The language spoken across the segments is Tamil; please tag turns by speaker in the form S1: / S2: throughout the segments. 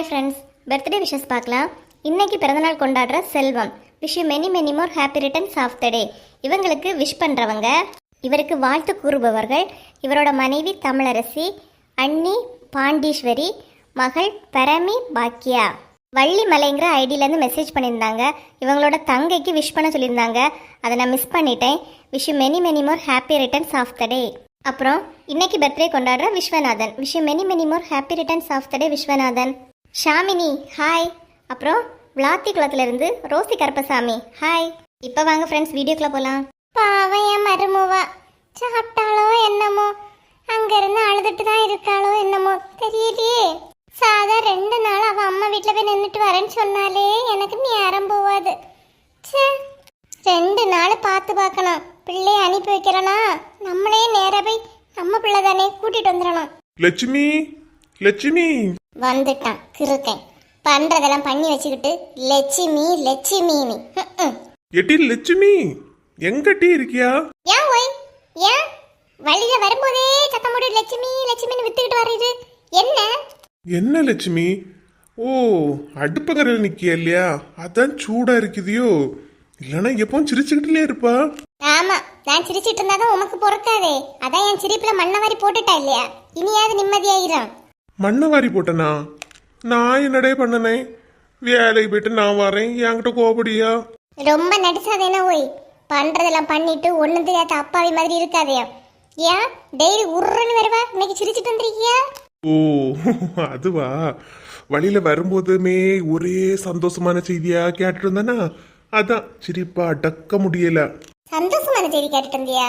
S1: ஹாய் ஃப்ரெண்ட்ஸ், பர்த்டே விஷஸ் பார்க்கலாம். இன்னைக்கு பிறந்தநாள் கொண்டாடுற Selvam, wish you many many more happy returns of the day. இவங்களுக்கு விஷ் பண்ணுறவங்க, இவருக்கு வாழ்த்து கூறுபவர்கள் இவரோட மனைவி தமிழரசி, அண்ணி பாண்டீஸ்வரி, மகள் பரமி பாக்கியா. வள்ளி மலைங்கிற ஐடியிலேருந்து மெசேஜ் பண்ணியிருந்தாங்க. இவங்களோட தங்கைக்கு விஷ் பண்ண சொல்லியிருந்தாங்க. அதை நான் மிஸ் பண்ணிட்டேன். Wish you many many more happy returns of the day. அப்புறம் இன்னைக்கு பர்த்டே கொண்டாடுற Viswanathan, wish you many many more happy returns of the day Viswanathan. Shamini hi. அப்புறம் விளாத்தி குளத்துலேருந்து ரோசி கருப்பசாமி ஹாய். இப்போ வாங்க ஃப்ரெண்ட்ஸ், வீடியோக்குள்ள போகலாம்.
S2: பாவம் என் மருமவா, சாப்பிட்டாலோ என்னமோ, அங்கேருந்து அழுதுட்டு தான் இருக்காளோ என்னமோ தெரியலையே. சாதா 2 நாள் அவள் அம்மா வீட்டில் போய் நின்றுட்டு வரேன்னு சொன்னாலே எனக்கு நேரம் போவாது. சே, 2 நாள் பார்த்து பார்க்கணும். பிள்ளைய அனுப்பி வைக்கிறனா, நம்மளே நேராக போய் நம்ம பிள்ளை தானே கூட்டிட்டு வந்துடணும்.
S3: லட்சுமி லட்சுமி
S2: வந்துட்டான் கிருக்கேன். பண்றதெல்லாம் பண்ணி வச்சுக்கிட்டு லட்சுமி லட்சுமின்னு.
S3: எட்டி லட்சுமி எங்கட்டி இருக்கியா?
S2: ஏன் ஒய், ஏன் வழியில வரும்போதே சத்தம் போட்டு லட்சுமி லட்சுமின்னு வித்துக்கிட்டு வர்றது என்ன?
S3: என்ன லட்சுமி? ஓ, அடுப்பங்கரையில் நிக்கியா இல்லையா? அதான் சூடா இருக்குதியோ? இல்லைன்னா எப்பவும் சிரிச்சுக்கிட்டுலே இருப்பா.
S2: ஆமா, நான் சிரிச்சிட்டு இருந்தாதான் உமக்கு பொறுக்காதே. அதான் என் சிரிப்புல மண்ணை வாரி போட்டுட்டா இல்லையா? இனியாவது நிம்மதியாயிரும்.
S3: மண்ணை வாரி போட்டனா? நான் என்னடே பண்ணனே? வேலைக்கு போயிட்டு நான் வரேன், என்கிட்ட கோபடியா?
S2: ரொம்ப நடிச்சாதேனா ஒய். பண்றதெல்லாம் பண்ணிட்டு ஒண்ணு தெரியாத அப்பாவி மாதிரி இருக்காதே. ஏன் டெய்லி உருன்னு வருவா, இன்னைக்கு சிரிச்சிட்டு வந்திருக்கியா?
S3: ஓ, அதுவா? வழியில வரும்போதுமே ஒரே சந்தோஷமான செய்தியா கேட்டுட்டு இருந்தானா, அதான் சிரிப்பா அடக்க முடியல.
S2: சந்தோஷமான செய்தி கேட்டுட்டு இருந்தியா?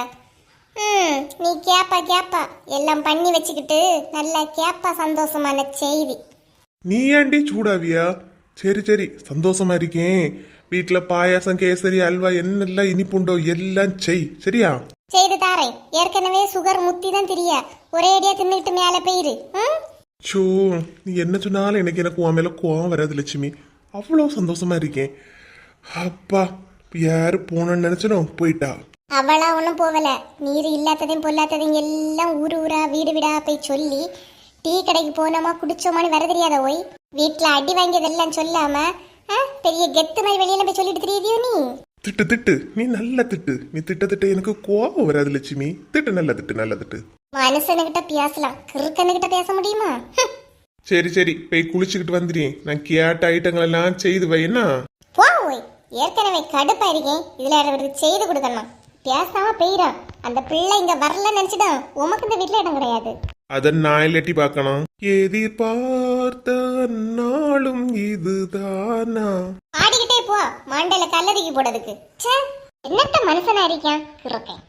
S2: நீ கேப்பா எல்லாம் பண்ணி வச்சுக்கிட்டு நல்லா கேப்பா சந்தோஷமான செய்தி.
S3: நீ ஏண்டி சூடாவியா? சரி சரி, சந்தோஷமா இருக்கேன். வீட்டுல பாயாசம், கேசரி, அல்வா என்னெல்லாம் இனிப்புண்டோ எல்லாம் செய், சரியா?
S2: செய்து தாரேன். ஏற்கனவே சுகர் முத்தி தான் தெரியா, ஒரே அடியா தின்னுட்டு மேல போயிரு.
S3: சோ, நீ என்ன சொன்னாலும் எனக்கு உன் மேல கோவம் வராது லட்சுமி. அவ்வளோ சந்தோஷமா இருக்கேன். அப்பா, யாரு போனன்னு நினைச்சனும் போயிட்டா.
S2: அவளா ஒன்றும் போகல. நீர் இல்லாததையும் பொல்லாததையும் எல்லாம் ஊரு ஊரா வீடு வீடா போய் சொல்லி டீ கடைக்கு போனோமா குடிச்சோமான்னு வர தெரியாத ஓய். வீட்டில் அடி வாங்கியதெல்லாம் சொல்லாம பெரிய கெத்து மாதிரி வெளியில போய் சொல்லிட்டு தெரியுதியோ நீ?
S3: திட்டு திட்டு, நீ நல்ல திட்டு. நீ திட்ட எனக்கு கோவம் வராது லட்சுமி. திட்டு, நல்ல திட்டு, நல்ல திட்டு.
S2: மனுஷனுக்கிட்ட பேசலாம், கிறுக்கனுக்கிட்ட பேச முடியுமா?
S3: சரி சரி, போய் குளிச்சுக்கிட்டு வந்துடுறேன். நான் கேட்ட ஐட்டங்கள் எல்லாம் செய்து வைனா.
S2: போ ஓய், ஏற்கனவே கடுப்பா இருக்கேன். இதுல அவருக்கு செய்து கொடுக்கணும். பேசாம போயிடும். அந்த பிள்ளை இங்க வரலன்னு நினைச்சுதான் உமக்கு இந்த வீட்டுல இடம் கிடையாது.
S3: அத நான் இல்லாட்டி பார்க்கணும். எதிர்பார்த்த நாளும் இதுதானா?
S2: ஆடிக்கிட்டே போ, மண்டையில கல்லறிக்கி போடுறதுக்கு. ச்சே, என்னத்த மனுஷனா இருக்கேன் இருக்கேன்.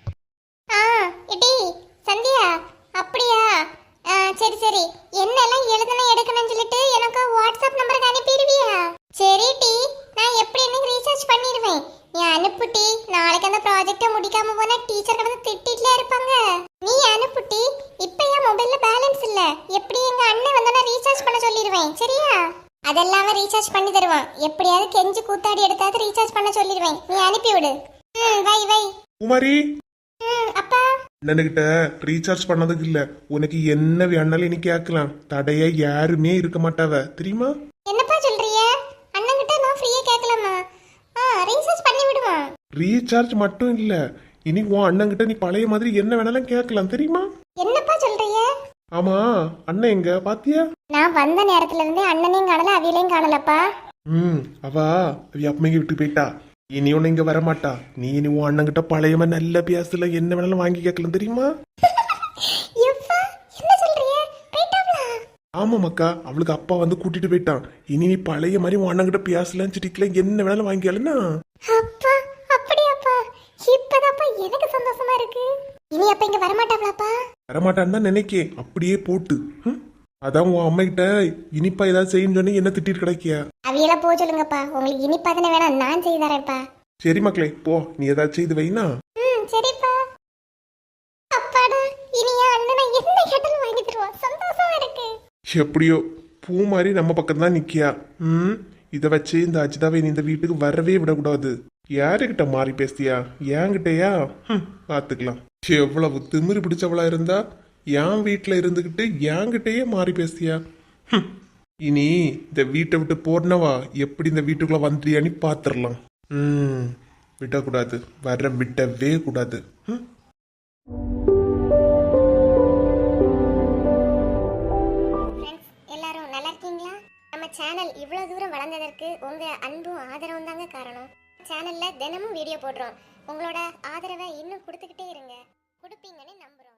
S2: இடி சந்தியா, அப்படியா? சரி சரி, என்னெல்லாம் எழுதணும் எடுக்கணும்னு சொல்லிட்டு எனக்கு வாட்ஸ்அப் நம்பருக்கு அனுப்பிடுவியா? சரி டி, நான் எப்படி எனக்கு ரீசார்ஜ் பண்ணிடுவேன். நீ அனுப்புட்டி. நாளைக்கு அந்த ப்ராஜெக்டை முடிக்காம போனா டீச்சர் வந்து திட்டிட்டுல இருப்பாங்க. நீ அனுப்புட்டி. இப்ப என் மொபைல்ல பேலன்ஸ் இல்ல. எப்படி எங்க அண்ணன் வந்தா ரீசார்ஜ் பண்ண சொல்லிடுவேன், சரியா? அதெல்லாம் ரீசார்ஜ் பண்ணி தருவான். எப்படியாவது கெஞ்சி கூத்தாடி எடுத்தாவது ரீசார்ஜ் பண்ண சொல்லிடுவேன். நீ அனுப்பி விடு. வை வை.
S3: குமாரி,
S2: அப்பா
S3: அண்ணனுக்கிட்ட ரீசார்ஜ் பண்ணதுக்கு இல்ல, உனக்கு என்ன வேணாலும் நீ கேட்கலாம். தடைய யாருமே இருக்க மாட்டாவ, தெரியுமா?
S2: என்னப்பா சொல்றீங்க? அண்ணன் கிட்ட நான் ஃப்ரீயா கேட்கலாமா? ரீசார்ஜ் பண்ணி விடுமா?
S3: ரீசார்ஜ் மட்டும் இல்ல, இனி உன் அண்ணன்கிட்ட நீ பழைய மாதிரி என்ன வேணாலும் கேட்கலாம், தெரியுமா?
S2: என்னப்பா சொல்றீங்க?
S3: ஆமா, அண்ணன் எங்க பாத்தியா?
S2: நான் வந்த நேரத்துல இருந்தே அண்ணனையும் காணல, அவியலையும் காணலப்பா.
S3: அவ அப்பமைக்கு விட்டு போயிட்டா. இனி ஒன்னு இங்க வரமாட்டா. நீ இனி உன் அண்ணன்கிட்ட பழையமா நல்ல பேசல என்ன வேணாலும் வாங்கி கேட்கலாம், தெரியுமா? ஆமா மக்கா, அவளுக்கு அப்பா வந்து கூட்டிட்டு போயிட்டான். இனி நீ பழைய மாதிரி உன் அண்ணன்கிட்ட பேசலாம், சிட்டிக்கல என்ன வேணாலும் வாங்கிக்கலன்னா.
S2: அப்பா அப்படியாப்பா? இப்பதாப்பா எனக்கு சந்தோஷமா இருக்கு. இனி அப்ப இங்க வரமாட்டாங்களாப்பா?
S3: வரமாட்டான்னு தான் நினைக்கேன். அப்படியே போட்டு அதான் உன் அம்மா கிட்ட இனிப்பா ஏதாவது செய்யணும்னு சொன்னி என்ன திட்டிட்டு கிடைக்கியா?
S2: அவியெல்லாம் போக சொல்லுங்கப்பா. உங்களுக்கு இனிப்பா தானே வேணாம், நான் செய்து தரேன்ப்பா.
S3: சரி மக்களே, போ, நீ ஏதாவது செய்து வைனா.
S2: சரிப்பா. அப்பாடா, இனி என் அண்ணனை என்ன கேட்டாலும் வாங்கி தருவான். சந்தோஷமா இருக்கு.
S3: எப்படியோ பூ மாதிரி நம்ம பக்கம் தான் நிக்கியா. இதை வச்சு இந்த அஜிதாவை நீ இந்த வீட்டுக்கு வரவே விடக்கூடாது. யாருக்கிட்ட மாறி பேசியா? என்கிட்டயா? பாத்துக்கலாம். எவ்வளவு திமிரு பிடிச்சவளா இருந்தா என் வீட்டுல இருந்துகிட்டு என்கிட்டயே மாறி பேசியா? இனி இந்த வீட்டை விட்டு போறனவா எப்படி இந்த வீட்டுக்குள்ள வந்துறியான்னு பாத்துரலாம். விடக்கூடாது, விடவே கூடாது.
S2: ஃப்ரெண்ட்ஸ் எல்லாரும் நல்லா இருக்கீங்களா? நம்ம சேனல் இவ்வளவு தூரம் வளர்ந்ததற்கு உங்க அன்பும் ஆதரவும் தாங்க காரணம். சேனல்ல தினமும் வீடியோ போடுறோம். உங்களோட ஆதரவை இன்னும் கொடுத்துக்கிட்டே இருங்க. கொடுப்பீங்கன்னு நம்புறோம்.